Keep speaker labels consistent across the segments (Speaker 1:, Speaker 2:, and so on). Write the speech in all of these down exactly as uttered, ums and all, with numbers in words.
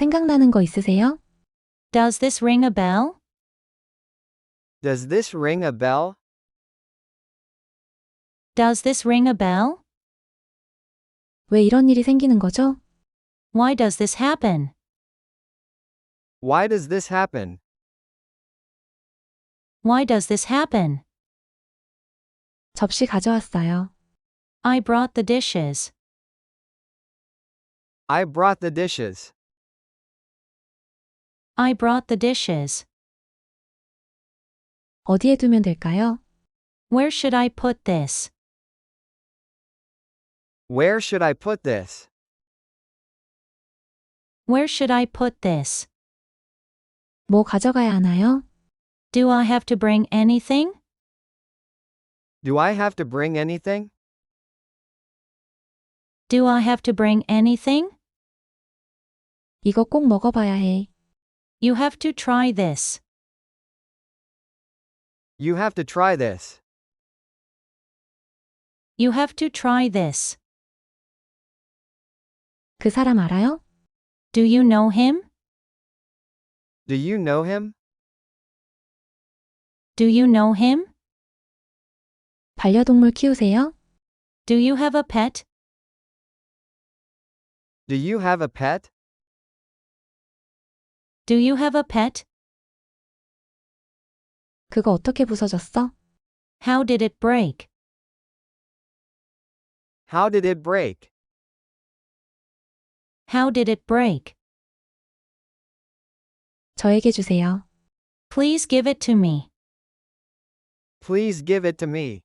Speaker 1: 생각나는 거 있으세요?
Speaker 2: Does this ring a bell?
Speaker 3: Does this ring a bell?
Speaker 2: Does this ring a bell?
Speaker 1: 왜 이런 일이 생기는 거죠?
Speaker 2: Why does this happen?
Speaker 3: Why does this happen?
Speaker 2: Why does this happen?
Speaker 1: 접시 가져왔어요.
Speaker 2: I brought the dishes.
Speaker 3: I brought the dishes.
Speaker 2: I brought the dishes.
Speaker 1: 어디에 두면 될까요?
Speaker 2: Where should I put this?
Speaker 3: Where should I put this?
Speaker 2: Where should I put this?
Speaker 1: 뭐 가져가야 하나요?
Speaker 2: Do I have to bring anything?
Speaker 3: Do I have to bring anything?
Speaker 2: Do I have to bring anything?
Speaker 1: 이거 꼭 먹어봐야 해.
Speaker 2: You have to try this.
Speaker 3: You have to try this.
Speaker 2: You have to try this.
Speaker 1: 그 사람 알아요?
Speaker 2: Do you know him?
Speaker 3: Do you know him?
Speaker 2: Do you know him?
Speaker 1: 반려동물 키우세요?
Speaker 2: Do you have a pet?
Speaker 3: Do you have a pet?
Speaker 2: Do you have a pet?
Speaker 1: 그거 어떻게 부서졌어?
Speaker 2: How did it break?
Speaker 3: How did it break?
Speaker 2: How did it break?
Speaker 1: 저에게 주세요.
Speaker 2: Please give it to me.
Speaker 3: Please give it to me.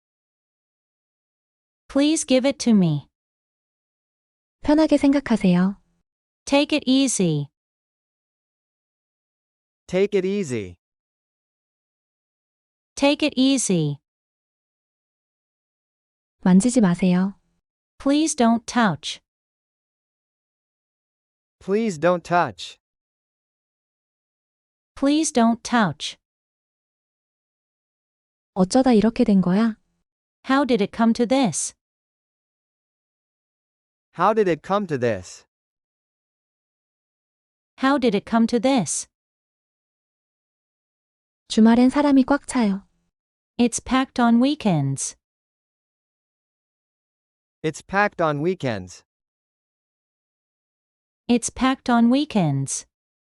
Speaker 2: Please give it to me.
Speaker 1: 편하게 생각하세요.
Speaker 2: Take it easy.
Speaker 3: Take it easy.
Speaker 2: Take it easy.
Speaker 1: 만지지 마세요.
Speaker 2: Please don't touch.
Speaker 3: Please don't touch.
Speaker 2: Please don't touch.
Speaker 1: 어쩌다 이렇게 된 거야?
Speaker 2: How did it come to this?
Speaker 3: How did it come to this?
Speaker 2: How did it come to this?
Speaker 1: 주말엔 사람이 꽉 차요.
Speaker 2: It's packed on weekends.
Speaker 3: It's packed on weekends.
Speaker 2: It's packed on weekends.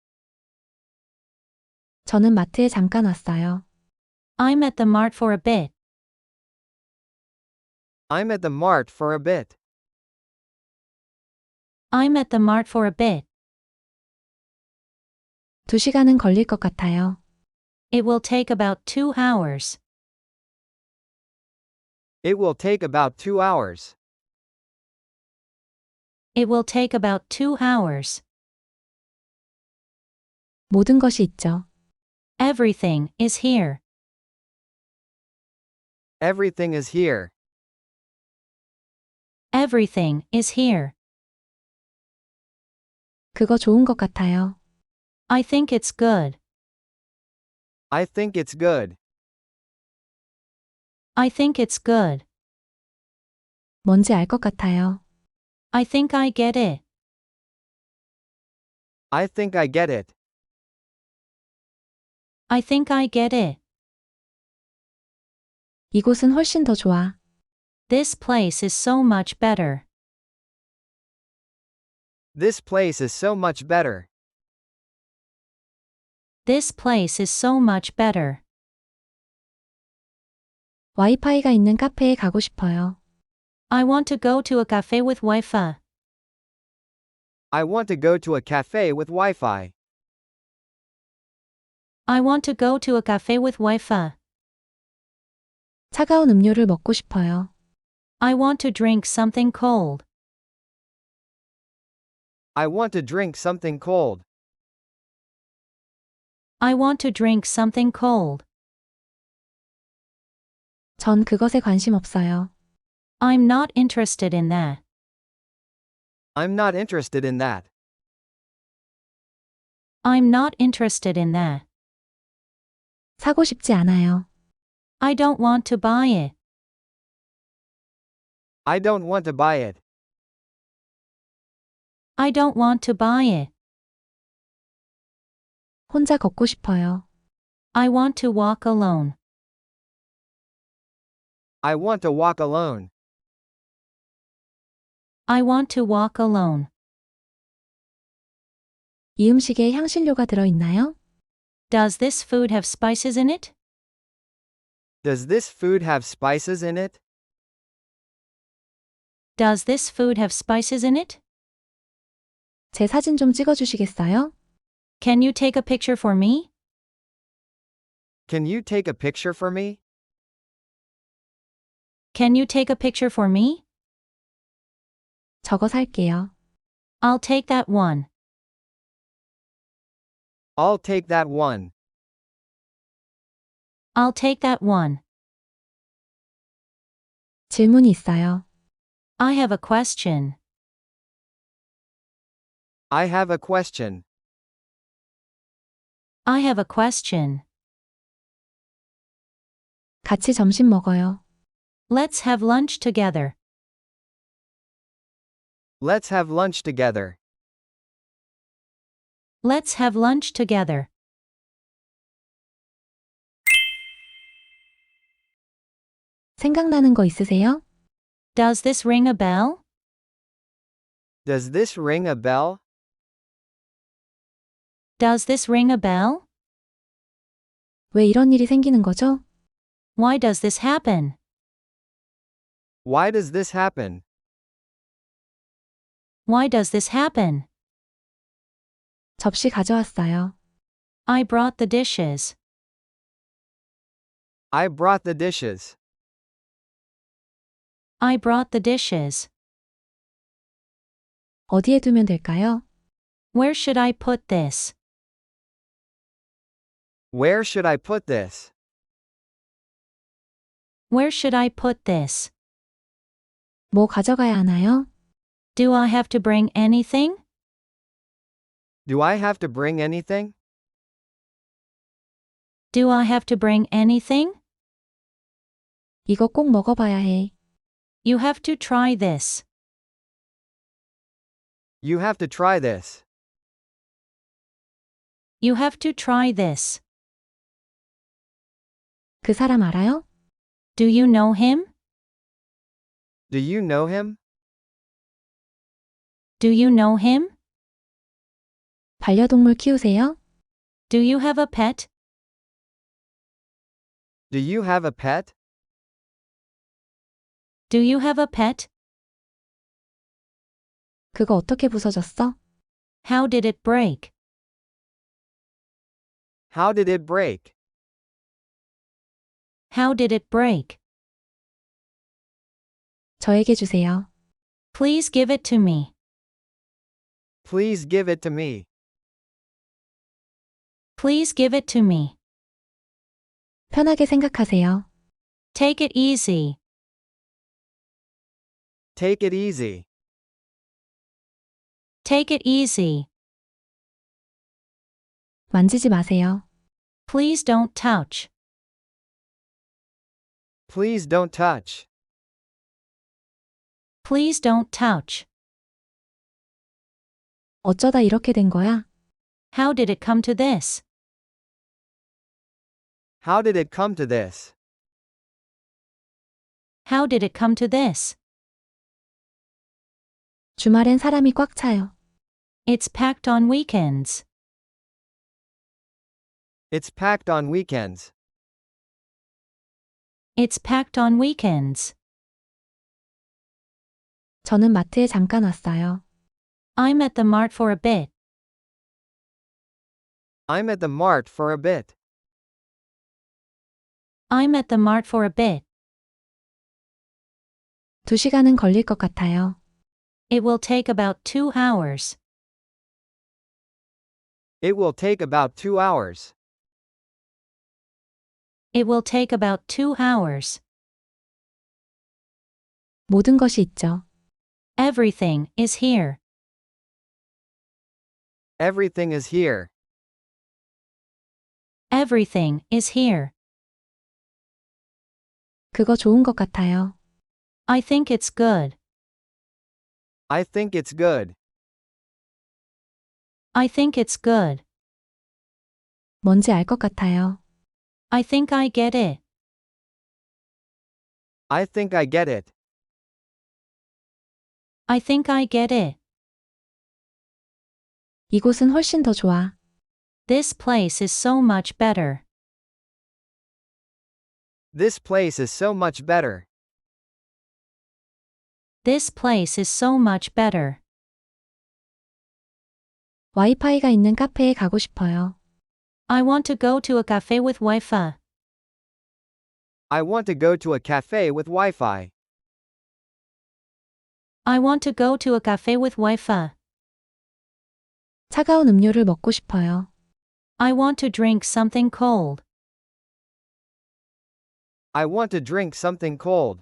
Speaker 1: 저는 마트에 잠깐 왔어요.
Speaker 2: I'm at the mart for a bit.
Speaker 3: I'm at the mart for a bit.
Speaker 2: I'm at the mart for a bit.
Speaker 1: 두 시간은 걸릴 것 같아요.
Speaker 2: It will take about two hours.
Speaker 3: It will take about two hours.
Speaker 2: It will take about two hours.
Speaker 1: 모든 것이 있죠.
Speaker 2: Everything is here.
Speaker 3: Everything is here.
Speaker 2: Everything is here.
Speaker 1: 그거 좋은 것 같아요.
Speaker 2: I think it's good.
Speaker 3: I think it's good.
Speaker 2: I think it's good.
Speaker 1: 뭔지 알 것 같아요.
Speaker 2: I think I get it.
Speaker 3: I think I get it.
Speaker 2: I think I get it.
Speaker 1: 이곳은 훨씬 더 좋아.
Speaker 2: This place is so much better.
Speaker 3: This place is so much better.
Speaker 2: This place is so much better.
Speaker 1: 와이파이가 있는 카페에 가고 싶어요.
Speaker 2: I want to go to a cafe with Wi-Fi.
Speaker 3: I want to go to a cafe with Wi-Fi.
Speaker 2: I want to go to a cafe with Wi-Fi.
Speaker 1: 차가운 음료를 먹고 싶어요.
Speaker 2: I want to drink something cold.
Speaker 3: I want to drink something cold.
Speaker 2: I want to drink something cold.
Speaker 1: 전 그것에 관심 없어요.
Speaker 2: I'm not interested in that.
Speaker 3: I'm not interested in that.
Speaker 2: I'm not interested in that.
Speaker 1: 사고 싶지 않아요.
Speaker 2: I don't want to buy it.
Speaker 3: I don't want to buy it.
Speaker 2: I don't want to buy it.
Speaker 1: 혼자 걷고 싶어요.
Speaker 2: I want to walk alone.
Speaker 3: I want to walk alone.
Speaker 2: I want to walk alone.
Speaker 1: 이 음식에 향신료가 들어있나요?
Speaker 2: Does this food have spices in it?
Speaker 3: Does this food have spices in it?
Speaker 2: Does this food have spices in it?
Speaker 1: 제 사진 좀 찍어주시겠어요?
Speaker 2: Can you take a picture for me?
Speaker 3: Can you take a picture for me?
Speaker 2: Can you take a picture for me?
Speaker 1: 저거 살게요.
Speaker 2: I'll take that one.
Speaker 3: I'll take that one.
Speaker 2: I'll take that one.
Speaker 1: 질문이 있어요.
Speaker 2: I have a question.
Speaker 3: I have a question.
Speaker 2: I have a question.
Speaker 1: 같이 점심 먹어요.
Speaker 2: Let's have lunch together.
Speaker 3: Let's have lunch together.
Speaker 2: Let's have lunch together.
Speaker 1: 생각나는 거 있으세요?
Speaker 2: Does this ring a bell?
Speaker 3: Does this ring a bell?
Speaker 2: Does this ring a bell?
Speaker 1: 왜 이런 일이 생기는 거죠?
Speaker 2: Why does this happen?
Speaker 3: Why does this happen?
Speaker 2: Why does this happen?
Speaker 1: 접시 가져왔어요.
Speaker 2: I brought the dishes.
Speaker 3: I brought the dishes.
Speaker 2: I brought the dishes.
Speaker 1: 어디에 두면 될까요?
Speaker 2: Where should I put this?
Speaker 3: Where should I put this?
Speaker 2: Where should I put this?
Speaker 1: 뭐 가져가야 하나요?
Speaker 2: Do I have to bring anything?
Speaker 3: Do I have to bring anything?
Speaker 2: Do I have to bring anything?
Speaker 1: 이거 꼭 먹어봐야 해.
Speaker 2: You have to try this.
Speaker 3: You have to try this.
Speaker 2: You have to try this.
Speaker 1: 그 사람 알아요?
Speaker 2: Do you know him?
Speaker 3: Do you know him?
Speaker 2: Do you know him?
Speaker 1: 반려동물 키우세요?
Speaker 2: Do you have a pet?
Speaker 3: Do you have a pet?
Speaker 2: Do you have a pet?
Speaker 1: 그거 어떻게 부서졌어?
Speaker 2: How did it break?
Speaker 3: How did it break?
Speaker 2: How did it break?
Speaker 1: 저에게 주세요.
Speaker 2: Please give it to me.
Speaker 3: Please give it to me.
Speaker 2: Please give it to me.
Speaker 1: 편하게 생각하세요.
Speaker 2: Take it easy.
Speaker 3: Take it easy.
Speaker 2: Take it easy.
Speaker 1: 만지지 마세요.
Speaker 2: Please don't touch.
Speaker 3: Please don't touch.
Speaker 2: Please don't touch.
Speaker 1: 어쩌다 이렇게 된 거야?
Speaker 2: How did it come to this?
Speaker 3: How did it come to this?
Speaker 2: How did it come to this?
Speaker 1: 주말엔 사람이 꽉 차요.
Speaker 2: It's packed on weekends.
Speaker 3: It's packed on weekends.
Speaker 2: It's packed on weekends.
Speaker 1: 저는 마트에 잠깐 왔어요.
Speaker 2: I'm at the mart for a bit.
Speaker 3: I'm at the mart for a bit.
Speaker 2: I'm at the mart for a bit.
Speaker 1: 두 시간은 걸릴 것 같아요.
Speaker 2: It will take about two hours.
Speaker 3: It will take about two hours.
Speaker 2: It will take about two hours.
Speaker 1: 모든 것이 있죠.
Speaker 2: Everything is here.
Speaker 3: Everything is here.
Speaker 2: Everything is here.
Speaker 1: 그거 좋은 것 같아요.
Speaker 2: I think it's good.
Speaker 3: I think it's good.
Speaker 2: I think it's good.
Speaker 1: 뭔지 알 것 같아요.
Speaker 2: I think I get it.
Speaker 3: I think I get it.
Speaker 2: I think I get it.
Speaker 1: 이곳은 훨씬 더 좋아.
Speaker 2: This place is so much better.
Speaker 3: This place is so much better.
Speaker 2: This place is so much better.
Speaker 1: 와이파이가 있는 카페에 가고 싶어요.
Speaker 2: I want to go to a cafe with Wi-Fi.
Speaker 3: I want to go to a cafe with Wi-Fi.
Speaker 2: I want to go to a cafe with Wi-Fi.
Speaker 1: 차가운 음료를 먹고 싶어요.
Speaker 2: I want to drink something cold.
Speaker 3: I want to drink something cold.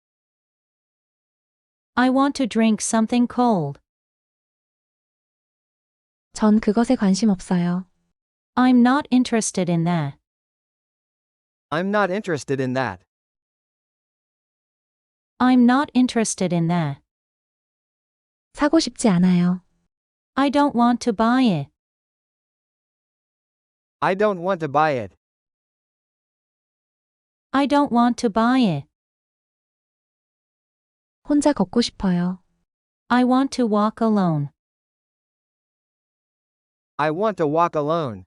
Speaker 2: I want to drink something cold.
Speaker 1: 전 그것에 관심 없어요.
Speaker 2: I'm not interested in that.
Speaker 3: I'm not interested in that.
Speaker 2: I'm not interested in that.
Speaker 1: 사고 싶지 않아요.
Speaker 2: I don't want to buy it.
Speaker 3: I don't want to buy it.
Speaker 2: I don't want to buy it.
Speaker 1: 혼자 걷고 싶어요.
Speaker 2: I want to walk alone.
Speaker 3: I want to walk alone.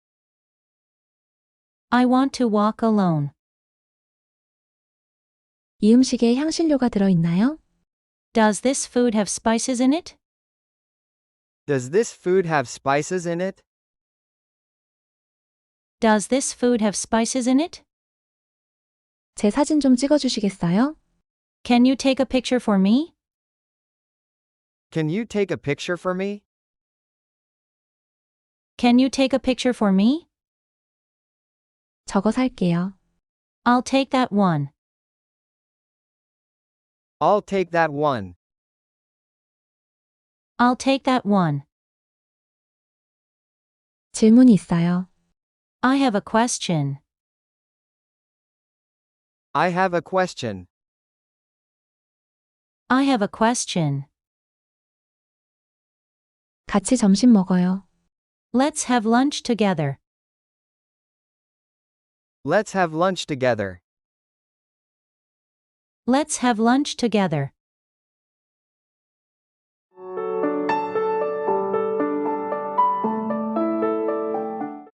Speaker 2: I want to walk alone.
Speaker 1: 이 음식에 향신료가 들어있나요?
Speaker 2: Does this food have spices in it?
Speaker 3: Does this food have spices in it?
Speaker 2: Does this food have spices in it?
Speaker 1: 제 사진 좀 찍어주시겠어요?
Speaker 2: Can you take a picture for me?
Speaker 3: Can you take a picture for me?
Speaker 2: Can you take a picture for me?
Speaker 1: 저거 살게요.
Speaker 2: I'll take that one.
Speaker 3: I'll take that one.
Speaker 2: I'll take that one.
Speaker 1: 질문이 있어요.
Speaker 2: I have a question.
Speaker 3: I have a question.
Speaker 2: I have a question.
Speaker 1: 같이 점심 먹어요.
Speaker 2: Let's have lunch together.
Speaker 3: Let's have lunch together.
Speaker 2: Let's have lunch together.